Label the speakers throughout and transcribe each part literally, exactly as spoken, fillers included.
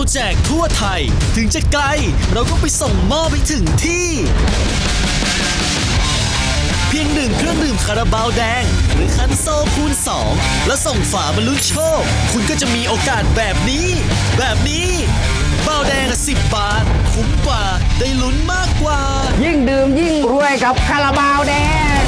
Speaker 1: แจกทั่วไทยถึงจะไกลเราก็ไปส่งมอบไปถึงที่เพียงหนึ่งเครื่องดื่มคาราบาวแดงหรือคันโซคูณสองแล้วส่งฝาบรรลุโชคคุณก็จะมีโอกาสแบบนี้แบบนี้บาวแดงสิบบาทคุ้มกว่าได้ลุ้นมากกว่า
Speaker 2: ยิ่งดื่มยิ่งรวยกับคาราบาวแดง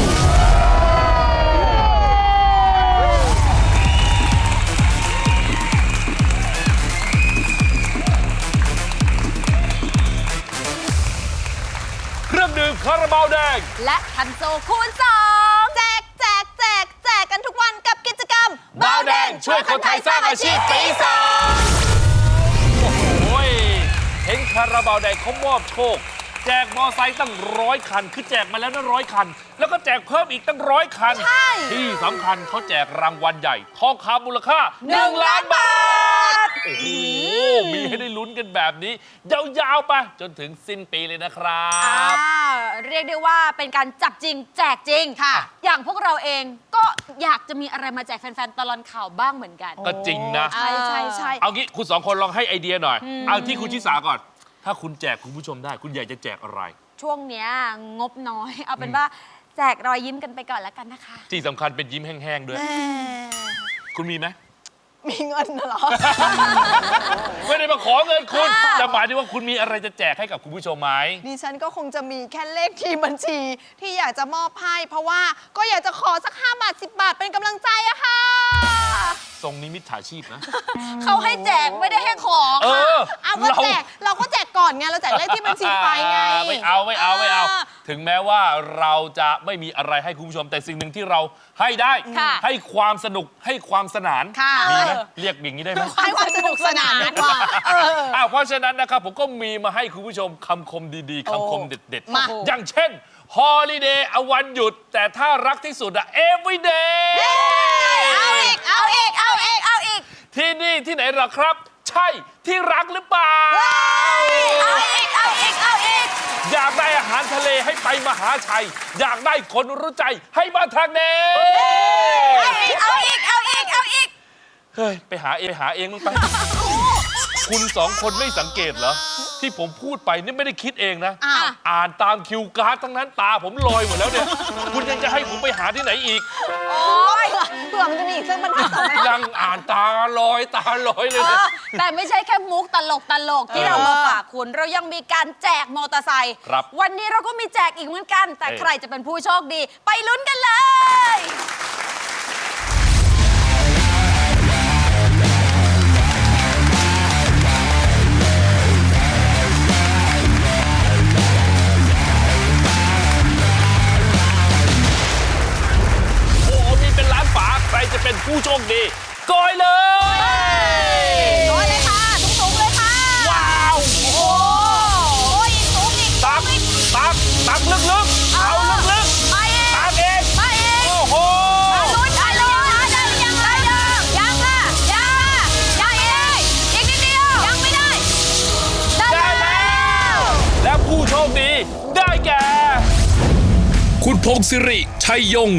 Speaker 3: เครื่องดื่มคาราบาวแดง
Speaker 4: และคันโซคูณสองแจกแจกแจกแจกกันทุกวันกับกิจกรรม
Speaker 3: บาวแดงช่วยคนไทยสร้างอาชีพปีสองโอ้โหเห็นคาราบาวแดงเขามอบโชคแจกมอไซค์ตั้งร้อยคันคือแจกมาแล้วนั่นร้อยคันแล้วก็แจกเพิ่มอีกตั้งร้อยคันที่สำคัญเขาแจกรางวัลใหญ่ทองคำมูลค่าหนึ่งล้านบาทโอ้โหมีให้ได้ลุ้นกันแบบนี้ยาวๆไปจนถึงสิ้นปีเลยนะครับ
Speaker 4: เรียกได้ว่าเป็นการจับจริงแจกจริงค่ะอย่างพวกเราเองก็อยากจะมีอะไรมาแจกแฟนๆตลอดข่าวบ้างเหมือนกัน
Speaker 3: ก็จริงนะ
Speaker 4: ใช่ใช่ใช่
Speaker 3: เอางี้คุณสองคนลองให้ไอเดียหน่อยเอาที่คุณชิสาก่อนถ้าคุณแจกคุณผู้ชมได้คุณอยากจะแจกอะไร
Speaker 4: ช่วงเนี้ยงบน้อยเอาเป็นว่าแจกรอยยิ้มกันไปก่อนแล้วกันนะคะ
Speaker 3: ที่สำคัญเป็นยิ้มแห้งๆด้วยคุณมีไหม
Speaker 4: มีเงินเหรอ
Speaker 3: ไม่ได้มาขอเงินคุณแต่หมายถึงว่าคุณมีอะไรจะแจกให้กับคุณผู้ชมไหม
Speaker 5: ดิฉันก็คงจะมีแค่เลขที่บัญชีที่อยากจะมอบให้เพราะว่าก็อยากจะขอสักห้าบาทสิบบาทเป็นกำลังใจอะค่ะ
Speaker 3: ทรงนี้มิจฉาชีพนะ
Speaker 4: เขาให้แจกไม่ได้ให้ของ
Speaker 3: เออ
Speaker 5: เอาก็แจกเราก็แจกก่อนไงเราแจกเลขที่บัญชีไปไง
Speaker 3: ไม่เอาไม่เอาไม่เอาถึงแม้ว่าเราจะไม่มีอะไรให้คุณผู้ชมแต่สิ่งหนึ่งที่เราให้ได้ให้ความสนุกให้ความสนานมีไหมเรียกอย่างนี้ได้ไหม
Speaker 5: ให้ความสนุกสนานดีกว่า
Speaker 3: เพราะฉะนั้นนะครับผมก็มีมาให้คุณผู้ชมคำคมดีๆคำคมเด็ดๆอย่างเช่น Holiday เอาวันหยุดแต่ถ้ารักที่สุดอะ Everyday
Speaker 4: เอาอีกเอาอีกเอาอีกเอาอีก
Speaker 3: ที่นี่ที่ไหนหรอครับใช่ที่รักหรือเปล่า
Speaker 4: เอาอีกเอาอีกเอาอีก
Speaker 3: อยากได้อาหารทะเลให้ไปมหาชัยอยากได้คนรู้ใจให้มาทางเน
Speaker 4: เอาอีกเอาอีกเอาอีกเอาอีก
Speaker 3: เฮ้ยไปหาเองไปหาเองมึงไปคุณสองคนไม่สังเกตเหรอที่ผมพูดไปนี่ไม่ได้คิดเองนะอ่านตามคิวการ์ดทั้งนั้นตาผมลอยหมดแล้วเนี่ยคุณยังจะให้ผมไปหาที่ไหนอีก
Speaker 4: โอ้ย
Speaker 5: เผื่อมันจะมีอีกสักบรรทัด
Speaker 3: ยังอ่านตาลอยตาลอยเลย
Speaker 4: แต่ไม่ใช่แค่มุกตลกตลกที่เรามาฝากคุณเรายังมีการแจกมอเตอร์ไซค์วันนี้เราก็มีแจกอีกเหมือนกันแต่ใครจะเป็นผู้โชคดีไปลุ้นกันเลย
Speaker 3: ใครจะเป็นผู้โชคดีกอยเลย
Speaker 4: กอยเลยค่ะสูงๆเลยค่ะ
Speaker 3: ว้าว
Speaker 4: โอ้โหอีกสูงอีก
Speaker 3: ตักตักตักลึกๆเอาลึกๆ
Speaker 4: ไปเอง
Speaker 3: ตักเอง
Speaker 4: ไปเอง
Speaker 3: โอ้โห
Speaker 4: ลุ้นได้เลยได้หรือยังได้ยังยังค่ะยังยังเองอีกนิดเดียวยังไม่ได้
Speaker 3: ได้แล้วและผู้โชคดีได้แก่คุณพงศิริชัยยง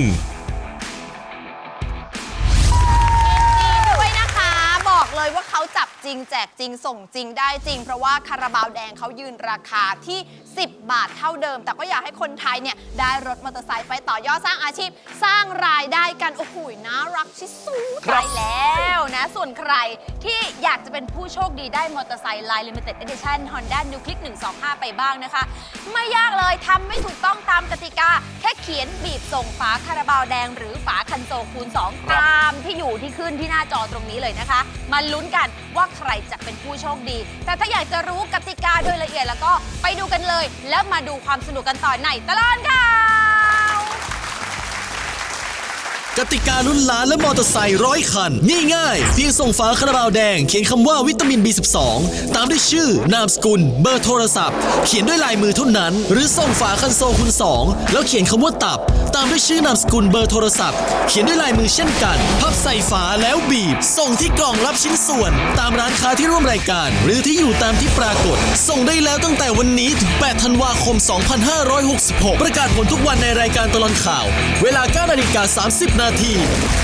Speaker 5: เลยว่าเขาจับจริงแจกจริงส่งจริงได้จริงเพราะว่าคาราบาวแดงเขายืนราคาที่สิบบาทเท่าเดิมแต่ก็อยากให้คนไทยเนี่ยได้รถมอเตอร์ไซค์ไปต่อยอดสร้างอาชีพสร้างรายได้กันโอ้โหน่ารักที่สุด
Speaker 4: ไปแล้วนะส่วนใครที่อยากจะเป็นผู้โชคดีได้มอเตอร์ไซค์ Line Limited Edition Honda New Click หนึ่งสองห้าไปบ้างนะคะไม่ยากเลยทำไม่ถูกต้องตามกติกาแค่เขียนบีบส่งฝาคาราบาวแดงหรือฝาคันโซคูณสองตามที่อยู่ที่ขึ้นที่หน้าจอตรงนี้เลยนะคะมาลุ้นกันว่าใครจะเป็นผู้โชคดีแต่ถ้าอยากจะรู้กติกาโดยละเอียดแล้วก็ไปดูกันเลยแล้วมาดูความสนุกกันต่อในตลอดข่าว
Speaker 1: กติกาลุ้นล้านและมอเตอร์ไซค์ร้อยคันง่ายๆเพียงส่งฝาคาราบาวแดงเขียนคำว่าวิตามิน บี สิบสอง ตามด้วยชื่อนามสกุลเบอร์โทรศัพท์เขียนด้วยลายมือเท่านั้นหรือส่งฝาคันโซคูณสองแล้วเขียนคำว่าตับตามด้วยชื่อนามสกุลเบอร์โทรศัพท์เขียนด้วยลายมือเช่นกันพับใส่ฝาแล้วบีบส่งที่กล่องรับชิ้นส่วนตามร้านค้าที่ร่วมรายการหรือที่อยู่ตามที่ปรากฏส่งได้แล้วตั้งแต่วันนี้ถึงแปดธันวาคมสองพันห้าร้อยหกสิบหกประกาศผลทุกวันในรายการตลอดข่าวเวลา เก้านาฬิกาสามสิบนาที